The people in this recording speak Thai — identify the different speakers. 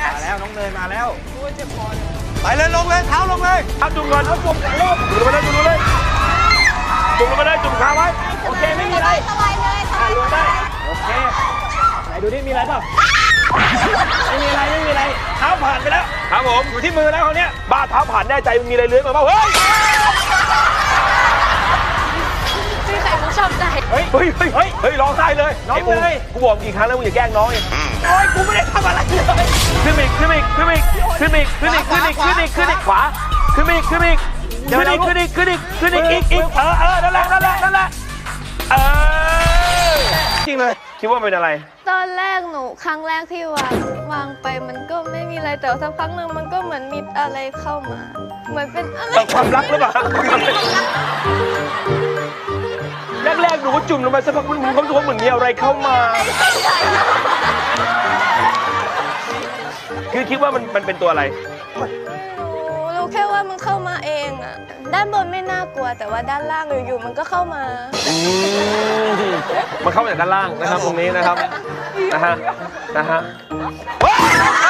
Speaker 1: มาแล้วน้องเนยมาแล้ว
Speaker 2: ไปเลยลงเลยเท้าลงเลยเอาจุ่มก่อนเอาจุ่มลงจุ่มลงไปเลยจุ่มลงเลยจุ่มลงไปเลยจุ่มขาไว้โอเคไม่มีอะไร
Speaker 3: สบายเลยสบาย
Speaker 1: ลงได้โอเคไหนดูดิมีอะไรเปล่าไม่มีอะไรไม่มีอะไรเท้าผ่านไปแล้วครับผมอยู่ที่มือแล้วเขาเนี้ยบ้าเท้าผ่านแน่ใจมีอะไรเลื้อยมาบ้างเฮ้ย
Speaker 3: พี่ไข่มุกชอบใจ
Speaker 1: เฮ้ยร้องไห้เลยน้องเลยกูบอกกี่ครั้งแล้วมึงอย่าแกล้งน้องเองโอ้ยกูไม่ได้ทำอะไรเลยขึ้นอีกขวาขึ้นอีกอีกขึ้นนั่นแหละจริงเลยคิดว่าเป็นอะไร
Speaker 3: ตอนแรกหนูครั้งแรกที่วางไปมันก็ไม่มีอะไรแต่สักพักหนึ่งมันก็เหมือนมีอะไรเข้ามา เหมือนเป็นอะไร
Speaker 1: ความรักหรือเปล่าแรกๆหนูก็จุ่มลงไปสักพักมันมีความรู้สึกว่าเหมือนมีอะไรเข้ามาคือคิดว่ามันเป็นตัวอะไร
Speaker 3: รู้แค่ว่ามันเข้ามาเองอะด้านบนไม่น่ากลัวแต่ว่าด้านล่างอยู่ๆมันก็เข้ามา
Speaker 1: มันเข้ามาจากด้านล่างนะครับตรงนี้นะครับนะฮะ